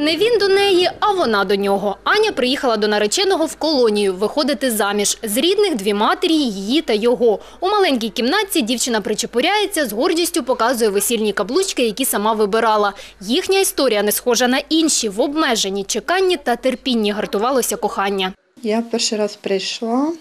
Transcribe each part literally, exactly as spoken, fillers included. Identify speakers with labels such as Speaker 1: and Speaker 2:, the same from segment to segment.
Speaker 1: Не він до неї, а вона до нього. Аня приїхала до нареченого в колонію виходити заміж. З рідних дві матері, її та його. У маленькій кімнатці дівчина причепуряється, з гордістю показує весільні каблучки, які сама вибирала. Їхня історія не схожа на інші. В обмеженні чеканні та терпінні гартувалося кохання.
Speaker 2: Я перший раз прийшла,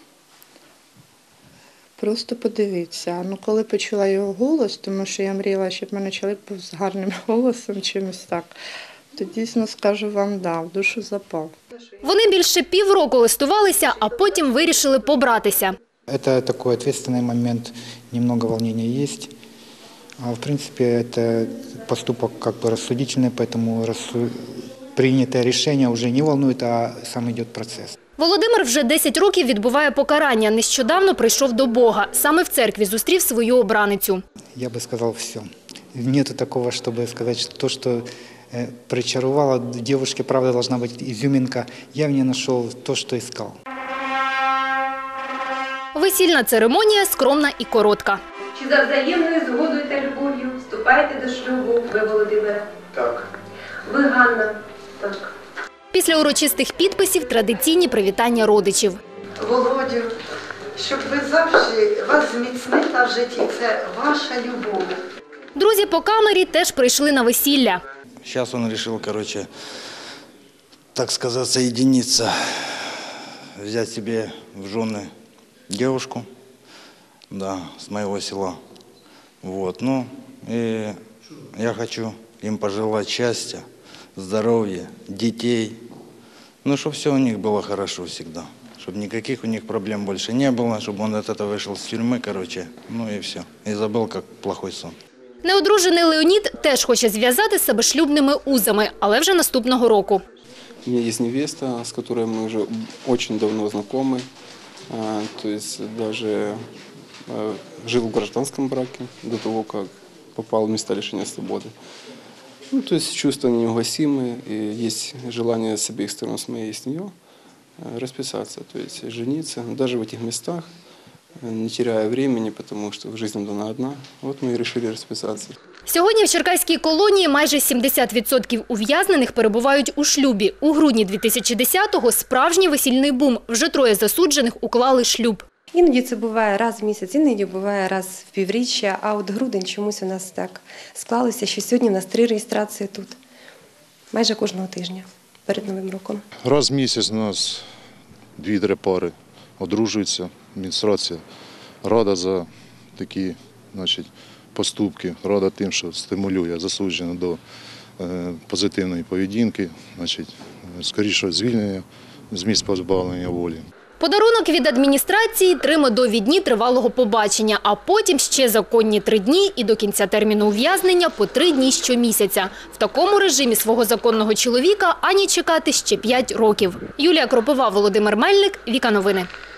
Speaker 2: просто подивитися. Ну, коли почула його голос, тому що я мріяла, щоб в мене чоловік був з гарним голосом, чимось так, то дійсно скажу вам, да, в душу запав.
Speaker 1: Вони більше півроку листувалися, а потім вирішили побратися.
Speaker 3: Это такой ответственный момент, немного волнения есть. А в принципе, это поступок как бы рассудительный, поэтому рассу... принятое решение уже не волнует, а сам идет процесс.
Speaker 1: Володимир вже десять років відбуває покарання. Нещодавно прийшов до Бога. Саме в церкві зустрів свою обраницю.
Speaker 3: Я бы сказал все. Нету такого, чтобы сказать, что то, что э, причаровало в девушке, правда, должна быть изюминка. Я в ней нашел то, что искал.
Speaker 1: Весільна церемонія скромна і коротка.
Speaker 4: Чи за взаємною згодою та любов'ю вступаєте до шлюбу ви, Володимире?
Speaker 3: Так.
Speaker 4: Ви, Ганна? Так.
Speaker 1: Після урочистих підписів традиційні привітання родичів.
Speaker 5: Володю, щоб ви завжди вас зміцнила в житті, це ваша любов.
Speaker 1: Друзі по камері теж прийшли на весілля.
Speaker 6: Сейчас он решил, короче, так сказать, соединиться, взять себе в жены девушку, да, с моего села. Вот, ну, и я хочу им пожелать счастья, здоровья, детей, ну, чтобы все у них было хорошо всегда, чтобы никаких у них проблем больше не было, чтобы он от этого вышел с тюрьмы, короче, ну и все, и забыл, как плохой сон.
Speaker 1: Неодружений Леонід теж хоче зв'язати себе шлюбними узами, але вже наступного року.
Speaker 7: У меня есть невеста, с которой мы уже очень давно знакомы, то есть даже жил в гражданском браке до того, как попал в места лишения свободы. Ну, то есть чувства неугасимые, и есть желание с обеих сторон, с моей и с нее, расписаться, то есть жениться, даже в этих местах, не теряя времени, потому что жизнь дана одна. Вот мы и решили расписаться.
Speaker 1: Сьогодні в черкаській колонії майже сімдесят відсотків ув'язнених перебувають у шлюбі. У грудні дві тисячі десятого справжній весільний бум. Вже троє засуджених уклали шлюб.
Speaker 8: Іноді це буває раз в місяць, іноді буває раз в півріччя, а от грудень чомусь у нас так склалося, що сьогодні у нас три реєстрації тут. Майже кожного тижня перед Новим роком.
Speaker 9: Раз в місяць у нас дві-три пари одружуються, адміністрація рада за такі, значить, поступки, рада тим, що стимулює засуджених до е, позитивної поведінки, значить, скоріше звільнення з місць позбавлення волі.
Speaker 1: Подарунок від адміністрації – три медові дні тривалого побачення, а потім ще законні три дні і до кінця терміну ув'язнення по три дні щомісяця. В такому режимі свого законного чоловіка Ані чекати ще п'ять років. Юлія Кропова, Володимир Мельник, Віка Новини.